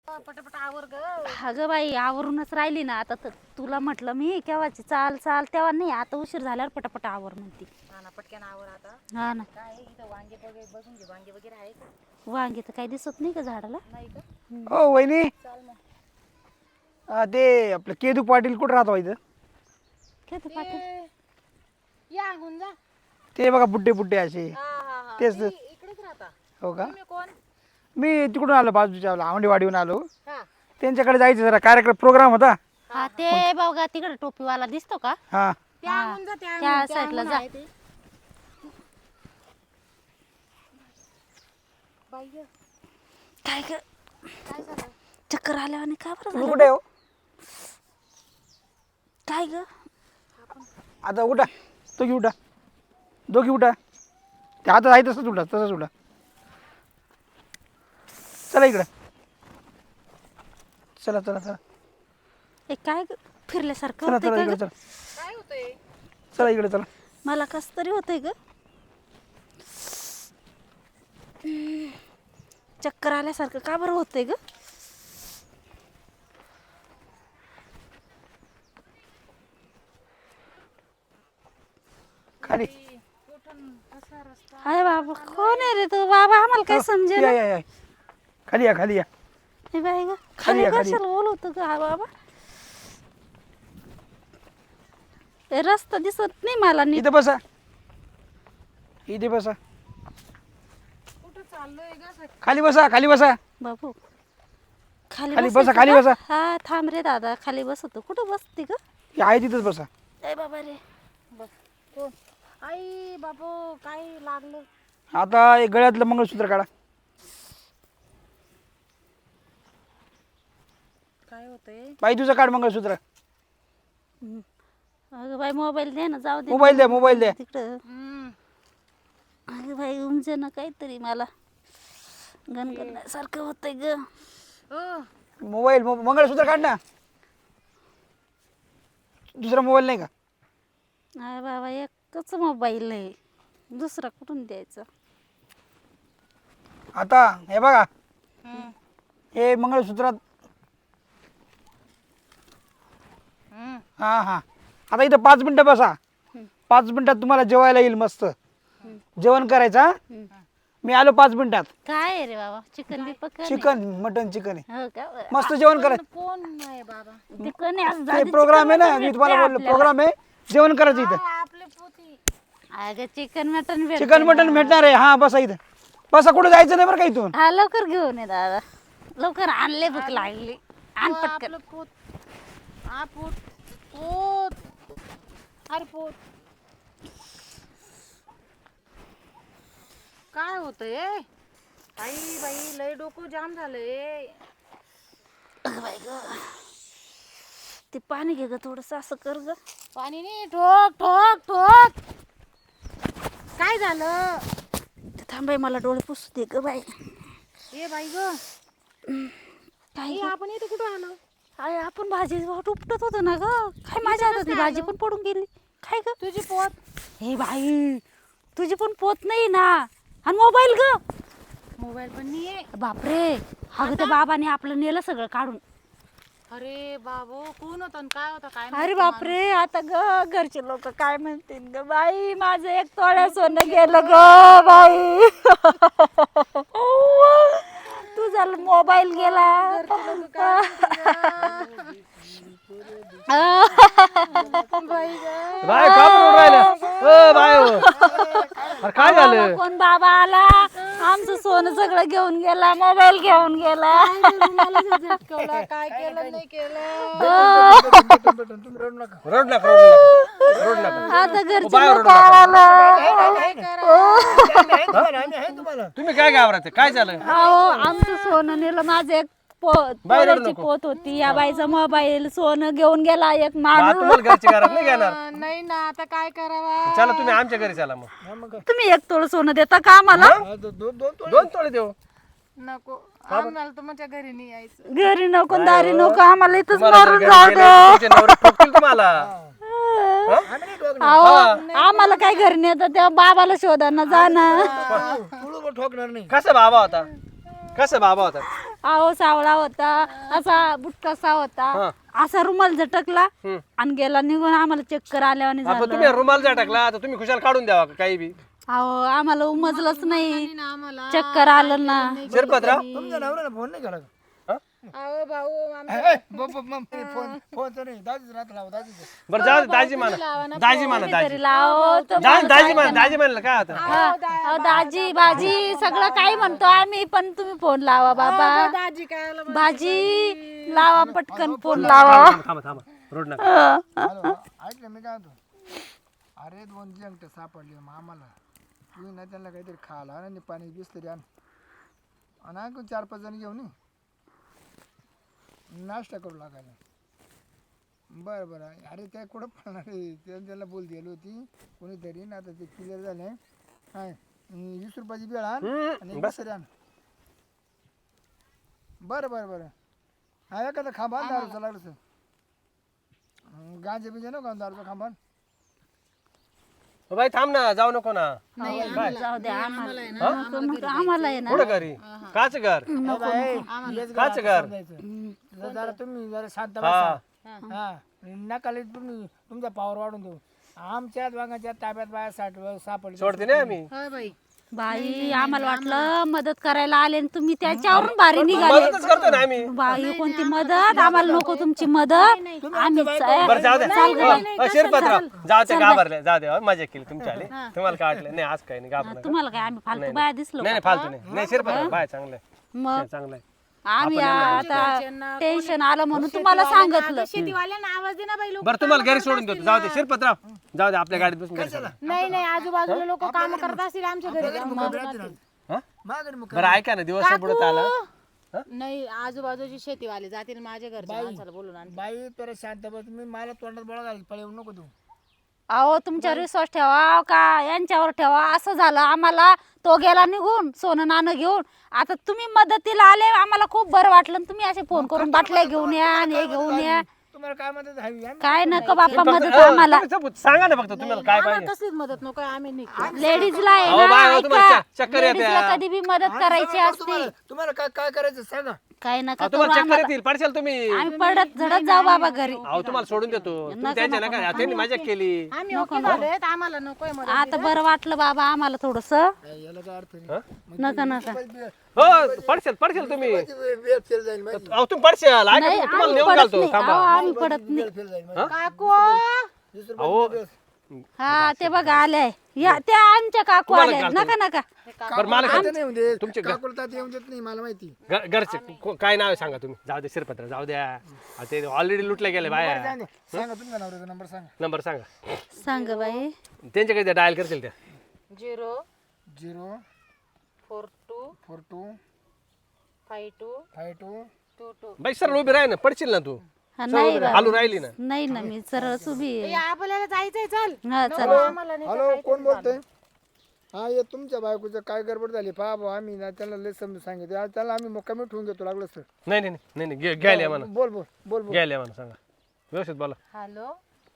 पटापट आवर ग. अगं बाई आवरूनच राहिली ना आता तर तुला म्हटलं मी केव्हाची चाल चाल तेव्हा नाही आता उशीर झाल्यावर पटापट आवर म्हणते. हा ना पटकन आवर आता. हा ना काय इथं वांगे वगैरे बघून घे वांगे वगैरे आहे का? वांगे तर काही दिसत नाही का झाडाला. नाही का? हो वहिनी चाल मग. ते आपलं केदू पाटील कुठं राहतो इथं? खेत पाटील ते या अंगून जा. ते बघा बुड्डे बुड्डे असे. हा हा हा तेच ते इकडेच राहता. हो का? तुम्ही कोण? मी तिकडून आलो बाजूच्या आवंडीवाडीहून आलो. हा त्यांच्याकडे जायचं जरा कार्यक्रम प्रोग्राम होता. हा ते बघा तिकडे टोपीवाला दिसतो का हा त्या अंगून जा त्या त्या अंगून, त्या साईडला अंगून जा. आहे ते. बाई ग, काय ग काय झालं? चक्कर आल्यावाने का बरं तुम्ही झालं? कुठे हो? काय ग आता उठा, दोघी उठा, दोघी उठा. ते आता आहे तसंच उठा, तसंच उठा. चला इकडं, चला चला चला ए काय ग फिरल्यासारखं चला होतंय चला का इकडे ग? चला, काय होतंय? चला इकडे चला. मला कस तरी होतंय ग चक्कर आल्यासारखं का बरं होतंय ग? खाली कुठून कसा रस्ता? अरे बाबा कोण आहे रे तू बाबा आम्हाला काय समजेल या या या खाली या खाली या. हे बाई ग खाली खाली या, खाली कशाला बोलवतो ग हा बाबा ए, रस्ता दिसत नाही मला नीट. इथे बसा, इथे बसा, कुठं चाललोय ग असं? खाली बसा, खाली बसा. बाबू खाली खाली बसायचं बसा, खाली का? बसा. हा थांब रे दादा खाली बसतो कुठं बसते ग? हे आहे तिथंच बसा. ए बाबा रे बघ कोण? आई बाबू काय लागलं? आता एक गळ्यातलं मंगळसूत्र काढा. काय होतंय? बाई तुझं काढ मंगळसूत्र. अगं बाई मोबाईल दे ना जाऊ दे मोबाईल द्या, मोबाईल द्या. तिकडं हम्म. अगं बाई उमजे ना काहीतरी मला गणगणसारखं होतंय ग. ओ मोबाईल मंगळसूत्र काढ ना. दुसरा मोबाईल नाही का? अरे बाबा एकच मोबाईल आहे दुसरा कुठून द्यायचा? आता हे बघा, हम्म. हे मंगळसूत्रात. हम्म. हा हा आता इथं 5 मिनिटं बसा. 5 मिनिटात तुम्हाला जेवायला येईल मस्त. जेवण करायचं हा? मी आलो 5 मिनिटात. काय आहे रे बाबा चिकन बिपक चिकन मटन चिकन आहे. हो का बरं. मस्त जेवण करायचं. कोण नाही बाबा? चिकन आहे, आज ते आधी प्रोग्राम आहे चिकन ना, मटण मी तुम्हाला भेटतंय बोललो आपल्याला. प्रोग्राम आहे. जेवण करायचं इथं. आपले पोती. अगं चिकन मटन भेटतंय चिकन मटन ना. भेटणार आहे. हा बसा इथं बसा. कुठं जायचं नाही बरं का इथून. हा लवकर घेऊन ये दादा लवकर आणले भूक लागली आण पटकन. आपलं पोत. हा पोत. पोत. अरे पोत. काय होतंय? आई बाई लय डोकं जाम झालंय. अगं बाई ग ते पाणी घे ग थोडस असं कर ग. पाणी नाही. ठोक ठोक ठोक. काय झालं? ते थांबाय मला डोळे पुसू दे ग बाई. ए बाई ग. काय ए, ग? आपण इथे कुठं आलो? अरे आपण भाजी उपटत होतो ना ग काय माझ्या हातात ती भाजी पण पडून गेली काय ग? तुझी पोत. हे बाई तुझी पण पोत नाही ना आणि मोबाईल ग. मोबाईल पण नाहीये. बापरे अगं त्या बाबाने आपलं नेलं सगळं काढून. अरे बाबू कोण होता आणि काय होता काय अरे माहिती बापरे आता ग घरचे लोक काय म्हणतील ग बाई माझं 1 तोळा सोनं गेलं ग बाई. तुझा मोबाईल गेला. बाई ग. बाय का बरं राहिलं बाय अरे काय झालं? कोण बाबा आला आमचं सोनं सगळं घेऊन गेला मोबाईल घेऊन गेला. मला झटकवला काय केलं नाही केलं. रड नका रड नका. आता घरचे बाय लोक ओरडू नका. आला. तुम्ही काय घाबरते? काय झालं? अहो आमचं सोनं नेलं माझं 1 बाहेर रडू तोळ्याची नको. पोत होती या बाईचा मोबाईल सोनं घेऊन गेला एक बा, माणूस. तुम्हाला घरची घरात नाही घेणार. नाही ना आता काय करावा. चला तुम्ही आमच्या घरी चला मग. तुम्ही 1 तोळ सोनं देता का आम्हाला? 2 तोळे देऊ. नको आम्हाला तुमच्या घरी नाही यायचं. घरी नको दारी नको आम्हाला इथंच तुम्हाला जर मारून घरी जाऊ गेले, दे. तुमचे नवरे ठोकतील तुम्हाला. अहो आम्हाला काय घरी नेतं त्या बाबाला शोधाना जाणं. कसा बाबा होता? कसा बाबा होता? अहो सावळा होता, असा बुटकासा होता, असा रुमाल झटकला आणि गेला निघून. आम्हाला चक्कर आल्यावानी आता झालं. तुम्ही रुमाल जा टाकला आता तुम्ही खुशाल काढून द्यावा का काही बी अहो आम्हाला उमजलंच नाही, चक्कर आलं ना. शिरपतराव तुमच्या नवऱ्याला फोन नाही केला का? अहो भाऊ फोनचं नाही, दाजीच राहत लावा, दाजीच. बरं जाऊ दे, दाजी म्हणा दाजी म्हणा दाजी तरी लाव तो. दाजी म्हणलं काय आता अहो, दाजी भाजी सगळं काही म्हणतो आम्ही, पण तुम्ही फोन लावा बाबा. दाजी काय भाजी लावा, पटकन फोन लावा. थांबा रोड नका ऐकलं मी काय म्हणतो, अरे 2 जंगट सापडले मग आम्हाला, तू ना त्यांना काहीतरी खायला आणि पाणी बिस्तरी आण आणि आणखी 4-5 जण घेऊन ये. नाश्ता करू लागायला. बरं अरे त्या कुठं पडणार आहे, त्याला बोल दिली होती कोणीतरी ना, आता ते क्लिअर झाले. काय 20 रुपयाची बेळ आण आणि बसरी आण. बरं हा एखादा खांबा दारूचा लागलं गांजे बिजे नको दारूचा खांबा. बाई थांब ना जाऊ नको ना जाऊ द्या आम्हाला आहे ना. कुठं घरी काच घर काच घर जरा तुम्ही जरा शांत हा बसा. हा नकाले तुम्ही तुमचा पावर वाढून देऊ. आमच्याच वांगाच्या ताब्यात बाया सापडली. सोडते नाही आम्ही बाई बाई आम्हाला वाटलं मदत करायला आले आणि तुम्ही त्याच्यावरून भारी निघाले. मदतच करतो ना आम्ही बाई कोणती मदत, आम्हाला नको तुमची मदत. आम्ही बरं जाऊ दे शिरपतराव जाऊ ते घाबरले जाऊ दे मजा केली तुमच्या आली तुम्हाला काय वाटलं नाही आज काही नाही घाबरलं तुम्हाला काय आम्ही फालतू बाया दिसलो नाही फालतू नाही शिरपतराव बाय चांगलं मग चांगलं आम्ही आता टेन्शन आलं म्हणून तुम्हाला सांगितलं. शेतीवाल्यांना आवाज दे ना बाई लोक. बरं तुम्हाला घरी सोडून देतो जाऊ दे शिरपतराव जाऊ दे आपल्या गाडीत बसून घरी चला. नाही आजूबाजूला लोक काम करत असतील आमच्या घरी हा? माघारी मग बरं ऐका ना दिवस बुडत आला नाही आजूबाजूची शेतीवाले जातील माझ्या घरच्या माणसाला बोलून आण. बाई तर शांत बस. मी मला तोंडात बोळा घाल पळवू नको तू. अहो तुमच्यावर विश्वास ठेवा का यांच्यावर ठेवा. असं झालं आम्हाला, तो गेला निघून सोनं नाणं घेऊन. आता तुम्ही मदतीला आले, आम्हाला खूप बरं वाटलं. आणि तुम्ही असे फोन करून बाटल्या घेऊन या आणि हे घेऊन या. तुम्हाला काय मदत हवी? काय नका बाप्पा मदत आम्हाला. सांगा ना फक्त तुम्हाला काय पाहिजे कसलीच मदत नको आम्ही निघतो. लेडीजला आहे अहो बाय, ना, अहो, तुम्हाला ऐका. चक्कर येते. लेडीजला कधी बी मदत करायची असते. तुम्हाला काय करायचं सांगा. काय नका करू तुम्हाला चक्कर आम्हाला. येतील पडशाल तुम्ही आम्ही पडत झडत जाऊ बाबा घरी. अहो तुम्हाला सोडून देतो तुम्ही त्यांच्या नका त्यांनी मजा केली आम्ही ओके झालोय आम्हाला नकोय मदत. आता बरं वाटलं बाबा आम्हाला थोडस. याला काय अर्थ नाही. नका हो पडशाल तुम्ही वेळ फेल जाईल माहिती. अहो तुम्ही पडशाल ऐका नाही, तुम्ही, तुम्हाला आम्ही नेऊन पडत घालतो नाही. थांबा अहो, आम्ही पडत नाही. फेल जाईल माहिती. काकू अहो हा ते बघा आल्याय या त्या आमच्या काकू तुम्हाला आल्या. घालतो. नका बरं मला आता नाही येऊन देत. तुमचे काकुला तात्या येऊन देत नाही मला माहिती. घरचे काय नाव आहे सांगा तुम्ही जाऊ दे शिरपत्र जाऊ द्या अहो, ते ऑलरेडी लुटले गेले बाया सांगा सांगा तुमच्या नवऱ्याचा नंबर सांगा. नंबर सांगा सांग बाई. त्यांच्या काही डायल करतील त्या 0 0 42 42 52 52 22. बाई सर उभी राह ना पडशील ना तू हा, नाही बा. हालू राहिली ना नाही ना मी सरळ उभी आहे. आपल्याला जायचंय चल. हा चला. आम्हाला नाही हॅलो कोण बोलतोय? हा ये तुमच्या बायकोचं काय गडबड झाली पहा भाऊ. आम्ही ना त्याला लय समजून सांगितलं. त्याला आम्ही मुक्कामी ठेवून घेतो लागलं सर. नाही घ्यायला या म्हणा बोल बोल बोल बोल. घ्यायला या म्हणा सांगा व्यवस्थित बोला हॅलो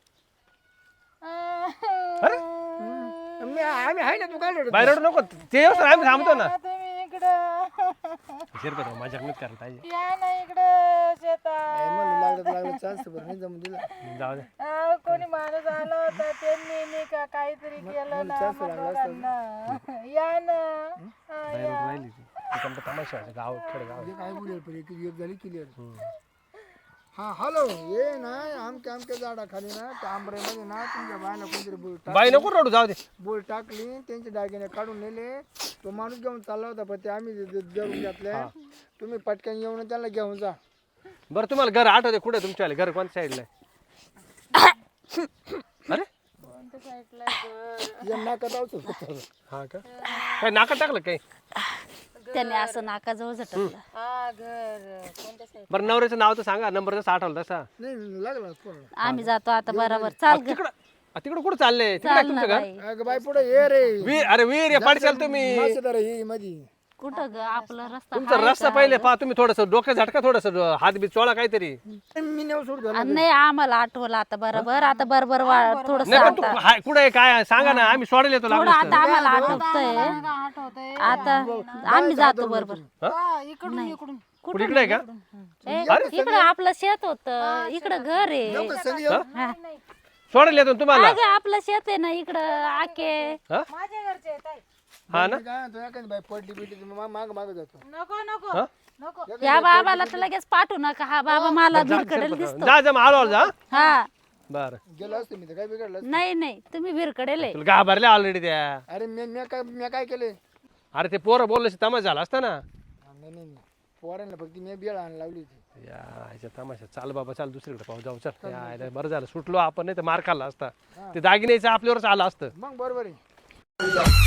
आम्ही आहे ना तू काय रडत? बाहेर नको ते येऊ सर आम्ही थांबतो ना तुम्ही इकडं शिरपत्र माझ्या मीच करायला पाहिजे या ना इकडं शेतात. काय म्हणलं लागलं चान्स बरं नाही जमून दिलं. जाऊ दे कोणी माणूस आला होता त्यांनी नाही का काहीतरी केलं ना मग दोघांना. या ना बाहेर राहिली ती तिकडं तमाशा आहे, गाव खेडेगाव हे काय बोलेल पण एक झाली क्लिअर. हा हॅलो ये ना आमच्या झाडाखाली ना त्या आंबऱ्यामध्ये ना तुमच्या बायला कोणतरी बाई नको रडू जाऊ दे बोल टाकली. त्यांचे दागिने काढून नेले. तो माणूस घेऊन चालला होता पण ते आम्ही जरून घेतले. तुम्ही पटकन येऊन त्याला घेऊन जा. बरं तुम्हाला घर आठवते कुठे तुमच्या घर कोणत्या साईडला आहे अरे या नाकात औषध. हा का काय नाका टाकलं काही त्याने असं नाकाजवळ झटकलं. हा घर कोणत्या साईड? बरं नवऱ्याचं नाव तर सांगा नंबर जसा आठवला तसा नाही लागला फोन. आम्ही जातो आता बरोबर. चाल ग. तिकडं कुठं चालले तिकडे चाल ना तुमचं घर बाई. अगं बाई पुढे ये रे. वीर अरे वीर या पाडशाल तुम्ही मासेदार ही मधी. कुठं ग आपला रस्ता तुमचा आहे रस्ता का? पहिले पहा तुम्ही थोडस डोकं झटका थोडस हात बीत चोळा काहीतरी. मी नेऊ सोडतो नाही आम्हाला आठवलं आता बरोबर आता बरोबर थोडस नाही पण तू कुठे आहे काय आहे? सांगा ना आम्ही सोडायला येतो थोडं लागलं आता आम्हाला आठवतंय आठवतंय आता आम्ही जातो बरोबर इकडून इकडून कुठे इकडे आहे का? इकडं आपलं शेत होत इकडं घर आहे संग येऊ हा. सोडायला येतो ना तुम्हाला. अगं, आपलं शेत आहे ना इकडं आके माझ्या घरचे आहेत आई. हा ना मी काय म्हणतो एखादी बाई पडली बिडली माग माग जातो नको नको हा? नको या बाबाला तर लगेच पाठवू नका हा बाबा मला भिरकडेल दिसतो जा जा आलो जा. हा बर गेलो असतो मी तर काय बिघडलं नाही नाही तुम्ही भिरकडेल आहे. तुला घाबरले ऑलरेडी त्या. अरे मी काय केले अरे ते पोरं बोलले तमाशा झाला असता ना. नाही नाही पोरांना फक्त मी बेळ आण लावली होती या ह्याच्या तमाशा चाल बाबा चाल दुसरीकडे पाहू जाऊ चल. या, बरं झालं सुटलो आपण नाही तर मार खाल्ला असता. ते दागिन्याचं आपल्यावरच आलं असतं. मग बरोबर आहे